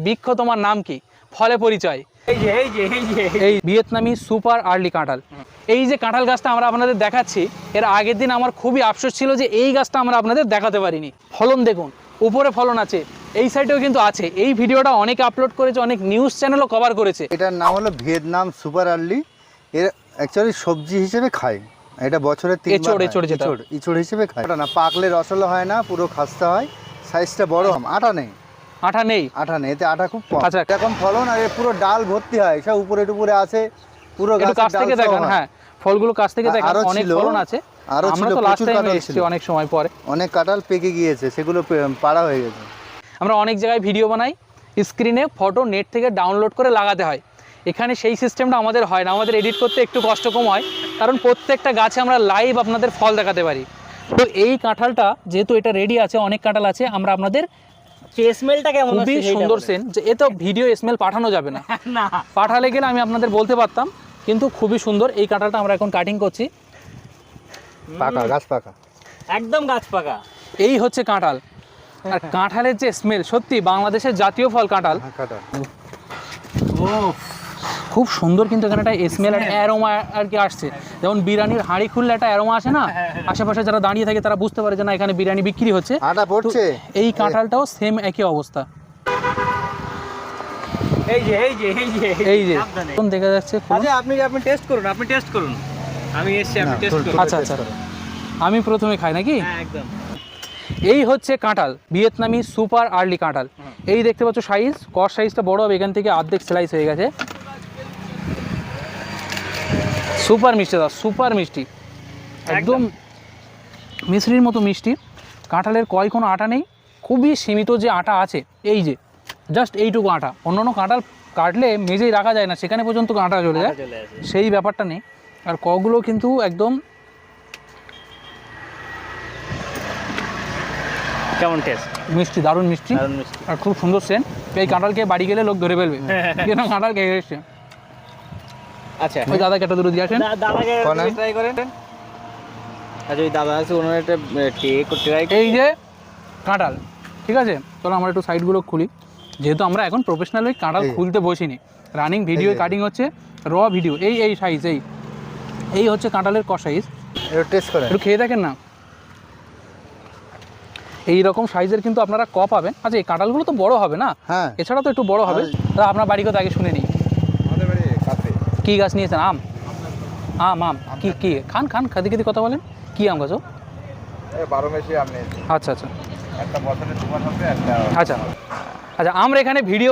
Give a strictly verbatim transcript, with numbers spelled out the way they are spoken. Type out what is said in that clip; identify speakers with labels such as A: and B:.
A: বৃক্ষ তোমার নাম কি, ফলে পরিচয়।
B: এই যে এই যে এই যে
A: এই ভিয়েতনামি সুপার আর্লি কাঁঠাল। এই যে কাঁঠাল গাছটা আমরা আপনাদের দেখাচ্ছি, এর আগের দিন আমার খুবই আফসোস ছিল যে এই গাছটা আমরা আপনাদের দেখাতে পারিনি। ফলন দেখুন, উপরে ফলন আছে, এই সাইডেও কিন্তু আছে। এই ভিডিওটা অনেকে আপলোড করেছে, অনেক নিউজ চ্যানেলও কভার করেছে।
C: এটার নাম হলো ভিয়েতনাম সুপার আর্লি। এর অ্যাকচুয়ালি সবজি হিসেবে খায়, এটা বছরে তিনবার
A: এচড় এচড় যেটা
C: ইঁচড় ইঁচড় হিসেবে খায়। এটা না পাকলে রসলো হয় না, পুরো খাস্তা হয়, সাইজটা বড় হয়। আটা নেই,
A: আঠা নেই,
C: আটা নেই, এতে আটা খুব কম।
A: আচ্ছা।
C: এখন ফলন আর এর পুরো ডাল ভর্তি হয়, সব উপরে টুপুরে আছে পুরো
A: একটু কাছ থেকে দেখেন। হ্যাঁ, ফলগুলো কাছ থেকে দেখেন, অনেক ফলন আছে।
C: আরো
A: আমরা
C: ছিল,
A: তো লাস্ট
C: প্রচুর
A: টাইম
C: কাঁঠাল
A: এসেছি
C: ছিল,
A: অনেক সময় পরে।
C: অনেক কাঁঠাল পেকে গিয়েছে, সেগুলো পে- পাড়া হয়ে গেছে।
A: আমরা অনেক জায়গায় ভিডিও বানাই, স্ক্রিনে ফটো নেট থেকে ডাউনলোড করে লাগাতে হয়। এখানে সেই সিস্টেমটা আমাদের হয় না, আমাদের এডিট করতে একটু কষ্ট কম হয়, কারণ প্রত্যেকটা গাছে আমরা লাইভ আপনাদের ফল দেখাতে পারি। তো এই কাঁঠালটা যেহেতু এটা রেডি আছে, অনেক কাঁঠাল আছে, আমরা আপনাদের
B: স্মেলটা কেমন
A: খুবই সুন্দর সেন্ট, যে এ তো ভিডিও স্মেল পাঠানো যাবে না,
B: না
A: পাঠালে গেলে আমি আপনাদের বলতে পারতাম, কিন্তু খুবই সুন্দর। এই কাঁঠালটা আমরা এখন কাটিং করছি,
C: পাকা গাছ পাকা,
B: একদম গাছ পাকা।
A: এই হচ্ছে কাঁঠাল। আর কাঁঠালের যে স্মেল, সত্যি বাংলাদেশের জাতীয় ফল কাঁঠাল।
C: কাঁঠাল
B: ও
A: খুব সুন্দর, কিন্তু এখানে একটা স্মেল একটা অ্যারোমা আর কি আসছে। যেমন বিরিয়ানির হাঁড়ি খুললে একটা অ্যারোমা আসে না, আশেপাশে যারা দাঁড়িয়ে থাকে তারা বুঝতে পারে যে না এখানে বিরিয়ানি বিক্রি হচ্ছে।
C: আটা পড়ছে।
A: এই কাঁঠালটাও সেম একই অবস্থা।
B: এই যে এই যে এই যে
A: এই যে
B: সাবধানে।
A: এখন দেখা যাচ্ছে।
B: আচ্ছা আপনি আপনি টেস্ট করুন, আপনি টেস্ট করুন। আমি এসেছি, আপনি
C: না,
B: টেস্ট
C: তোর-
B: করুন।
A: আচ্ছা আচ্ছা, আমি প্রথমে খাই নাকি?
B: হ্যাঁ একদম।
A: এই হচ্ছে কাঁঠাল, ভিয়েতনামি সুপার আর্লি কাঁঠাল। এই দেখতে পাচ্ছ সাইজ, কর সাইজটা বড় হবে, এখান থেকে অর্ধেক স্লাইস হয়ে গেছে। সুপার মিষ্টি দাদা, সুপার মিষ্টি, একদম মিশ্রির মতো মিষ্টি। কাঁঠালের কয় কোনো আটা নেই, খুবই সীমিত যে আটা আছে, এই যে জাস্ট এইটুকু আটা। অন্যান্য কাঁঠাল কাটলে মেজেই রাখা যায় না, সেখানে পর্যন্ত আটা চলে যায়,
B: চলে আসে।
A: সেই ব্যাপারটা নেই। আর কগুলো কিন্তু একদম
B: কেমন টেস্ট?
A: মিষ্টি, দারুণ মিষ্টি,
B: দারুণ মিষ্টি।
A: আর খুব সুন্দর সেন্ট। এই কাঁঠালকে বাড়ি গেলে লোক ধরে ফেলবে কেন কাঁঠাল খেয়ে এসছে।
B: আচ্ছা
A: ওই দাদা কেটে দূরে দিয়ে আসেন।
B: দা- দাদাকে
C: বানান।
B: ট্রাই করেন। আচ্ছা ওই দাদা আছে, ওনার একটা টেক ট্রাই।
A: এই যে কাঁঠাল, ঠিক আছে, চলো আমরা একটু সাইডগুলো খুলি। যেহেতু আমরা এখন প্রফেশনাল ওই কাঁঠাল
C: এই।
A: খুলতে বসিনি, রানিং ভিডিও
C: এই যে।
A: কাটিং হচ্ছে, র ভিডিও। এই এই সাইজ, এই এই হচ্ছে কাঁঠালের ক সাইজ।
C: একটু টেস্ট করেন।
A: একটু খেয়ে দেখেন না, এই রকম সাইজের কিন্তু আপনারা ক পাবেন। আচ্ছা এই কাঁঠালগুলো তো বড় হবে না,
C: হ্যাঁ।
A: এছাড়া তো একটু বড় হবে। তা আপনার বাড়ি কথা আগে শুনে নিই।
C: আমাদের বাড়ি কাছে।
A: কী গাছ নিয়েছেন? আম? আম আম কি কি খান খান খাদি খাদি কথা বলেন, কি আম গাছ?
C: বারো মেশি আপনি
A: আচ্ছা আচ্ছা
C: একটা বছরে দুবার হবে একটা।
A: আচ্ছা আচ্ছা, আমরা এখানে ভিডিও